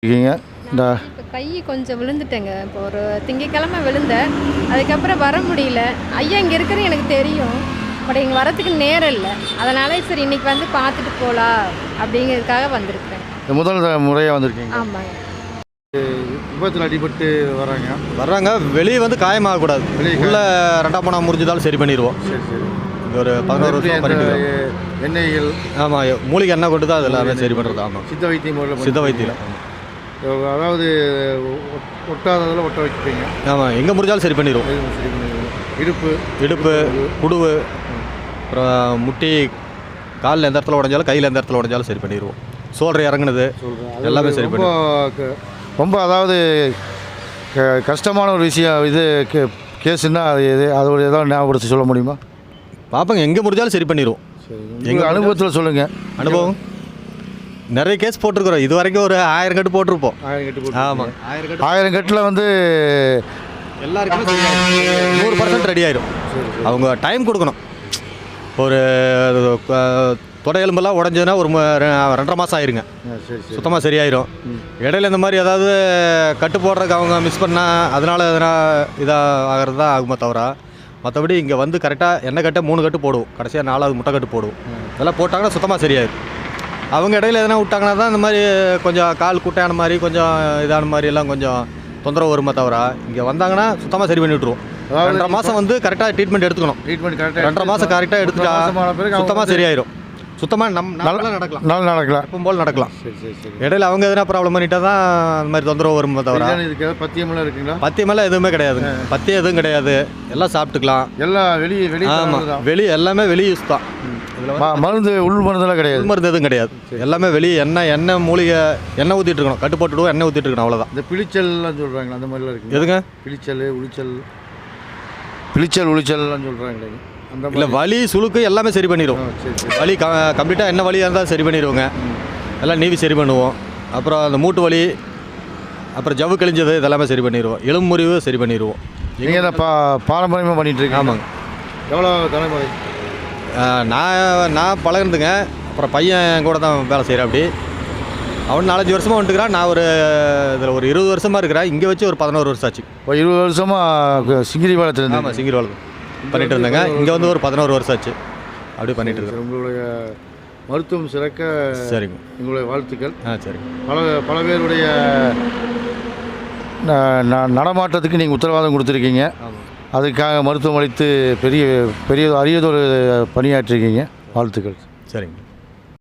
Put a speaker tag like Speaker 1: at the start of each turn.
Speaker 1: இருக்கீங்க இந்த
Speaker 2: இப்போ கை கொஞ்சம் விழுந்துட்டேங்க. இப்போ ஒரு திங்கக்கிழமை விழுந்தேன். அதுக்கப்புறம் வர முடியல. ஐயா இங்கே இருக்கிறது எனக்கு தெரியும். பட் இங்கே வரத்துக்கு நேரம் இல்லை. அதனால சரி இன்னைக்கு வந்து பார்த்துட்டு போகலாம் அப்படிங்கிறதுக்காக வந்திருக்கிறேன்.
Speaker 1: இந்த முதல் முறையாக வந்திருக்கீங்க.
Speaker 2: ஆமாங்க.
Speaker 1: விபத்தில் அடிபட்டு
Speaker 3: வர்றாங்க. வெளியே வந்து காயமாகக்கூடாது. உள்ள ரெண்டாம் பணம் முறிஞ்சதாலும் சரி பண்ணிடுவோம்.
Speaker 1: சரி சரி.
Speaker 3: ஒரு 11 வருஷம் பண்ணிட்டு
Speaker 1: எண்ணெய்கள்.
Speaker 3: ஆமாம், மூலிகை எண்ணெய் கொண்டு தான் அது எல்லாமே சரி பண்ணுறது. ஆமாம்,
Speaker 1: சித்த வைத்தியம் முறையில்
Speaker 3: சித்த வைத்தியம்.
Speaker 1: அதாவது ஒட்டாததில் ஒட்ட வைப்பீங்க.
Speaker 3: ஆமாம், எங்கே முடிஞ்சாலும் சரி பண்ணிடுவோம்.
Speaker 1: சரி பண்ணிடுவோம். இடுப்பு
Speaker 3: குடுவு, அப்புறம் முட்டி, காலில் எந்த இடத்துல உடஞ்சாலும் கையில் எந்த இடத்துல உடஞ்சாலும் சரி பண்ணிடுவோம். சோல்டர் இறங்குனது எல்லாமே சரி பண்ணிடுவோம்.
Speaker 1: ரொம்ப அதாவது கஷ்டமான ஒரு விஷயம் இது கேஸுன்னா அது எது அதோட ஏதாவது ஞாபகப்படுத்தி சொல்ல முடியுமா?
Speaker 3: பார்ப்போங்க, எங்கே முடிஞ்சாலும் சரி பண்ணிடுவோம்.
Speaker 1: எங்கள் அனுபவத்தில் சொல்லுங்கள்.
Speaker 3: அனுபவம் நிறைய கேஸ் போட்டிருக்கிறோம். இது வரைக்கும் ஒரு 1000 கட்டு போட்டிருப்போம்.
Speaker 1: 1000 கட்டு.
Speaker 3: ஆமாம்,
Speaker 1: 1000 கட்டில் வந்து
Speaker 3: எல்லாருக்குமே 100% ரெடி ஆயிடும். அவங்க டைம் கொடுக்கணும். ஒரு தொடை எலும்பெல்லாம் உடஞ்சதுன்னா ஒரு 2.5 மாதம் ஆயிருங்க. சுத்தமாக சரியாயிரும். இடையில இந்த மாதிரி ஏதாவது கட்டு போடுறதுக்கு அவங்க மிஸ் பண்ணால் அதனால் எதனா இதாக ஆகிறது தான் ஆகுமா தவிர மற்றபடி இங்கே வந்து கரெக்டாக எண்ணெய் கட்டை 3 கட்டு போடுவோம். கடைசியாக 4வது முட்டை கட்டு போடுவோம். இதெல்லாம் போட்டாங்கன்னா சுத்தமாக சரியாயிடும். அவங்க இடையில எதனா விட்டாங்கன்னா தான் இந்த மாதிரி கொஞ்சம் கால் குட்டையான மாதிரி கொஞ்சம் இதான மாதிரி எல்லாம் கொஞ்சம் தொந்தரவு வருமா தவிர இங்கே வந்தாங்கன்னா சுத்தமாக சரி பண்ணி விட்ருவோம். 2.5 மாதம் வந்து கரெக்டாக ட்ரீட்மெண்ட் எடுத்துக்கணும். 2.5 மாதம் கரெக்டாக எடுத்துட்டா சுத்தமாக சரியாயிரும். சுத்தமாக நல்லா நடக்கலாம். எப்பவும் போல் நடக்கலாம். இடையில அவங்க எதனா ப்ராப்ளம் பண்ணிட்டா தான் அந்த மாதிரி தொந்தரவு வருமா தவிர
Speaker 1: பத்தியமெல்லாம் இருக்குங்களா?
Speaker 3: பத்தியமெல்லாம் எதுவுமே கிடையாது. பத்தியம் எதுவும் கிடையாது. எல்லாம் சாப்பிட்டுக்கலாம்.
Speaker 1: எல்லாம் வெளியே.
Speaker 3: ஆமாம், வெளியே எல்லாமே வெளியே யூஸ் தான்.
Speaker 1: மருந்து உள் மருந்தெல்லாம் கிடையாது.
Speaker 3: உள் மருந்து எதுவும் கிடையாது. எல்லாமே வெளியே எண்ணெய் மூலிகை எண்ணெய் ஊற்றிட்டு இருக்கணும். கட்டு போட்டுடுவோம், எண்ணெய் ஊற்றிட்டு இருக்கணும், அவ்வளோதான்.
Speaker 1: இந்த பிளிச்சல்லாம் சொல்கிறாங்களா அந்த மாதிரிலாம் இருக்குது?
Speaker 3: எதுங்க?
Speaker 1: பிளிச்சல் உளிச்சல்லாம் சொல்கிறாங்களே அந்த
Speaker 3: இல்லை, வலி சுளுக்கு எல்லாமே சரி பண்ணிடுவோம். வலி கம்ப்ளீட்டாக என்ன வலியாக இருந்தால் சரி பண்ணிடுவோங்க. எல்லாம் நீவி சரி பண்ணுவோம். அப்புறம் அந்த மூட்டு வலி, அப்புறம் ஜவ்வு கிழிஞ்சது இதெல்லாமே சரி பண்ணிடுவோம். எலும்பு முறிவு சரி பண்ணிடுவோம்.
Speaker 1: நீங்கள் தான் பாரம்பரியமாக பண்ணிகிட்ருக்கீங்க?
Speaker 3: ஆமாங்க.
Speaker 1: எவ்வளோ தலைமுறை?
Speaker 3: நான் பழகுனதுங்க. அப்புறம் பையன் கூட தான் வேலை செய்கிறேன். அப்படி அவன் 4-5 வருஷமாக வந்துட்டுக்கிறான். நான் இதில் ஒரு 20 வருஷமாக இருக்கிறேன். இங்கே வச்சு ஒரு 11 வருஷம் ஆச்சு.
Speaker 1: இப்போ 20 வருஷமாக சிங்கிரி பாலத்தில்?
Speaker 3: ஆமாம், சிங்கிரி பாலம் பண்ணிகிட்டு இருந்தேங்க. இங்கே வந்து ஒரு 11 வருஷம் ஆச்சு. அப்படி பண்ணிகிட்டு இருக்கேன்.
Speaker 1: உங்களுடைய மருத்துவம் சிறக்க
Speaker 3: சரிங்க.
Speaker 1: உங்களுடைய வாழ்த்துக்கள்.
Speaker 3: சரிங்க.
Speaker 1: பல பேருடைய நடமாட்டத்துக்கு நீங்கள் உத்தரவாதம் கொடுத்துருக்கீங்க. அதுக்காக மருத்துவம் அளித்து பெரிய அரியதொரு பணியாற்றிருக்கீங்க. வாழ்த்துக்கள்.
Speaker 3: சரிங்க.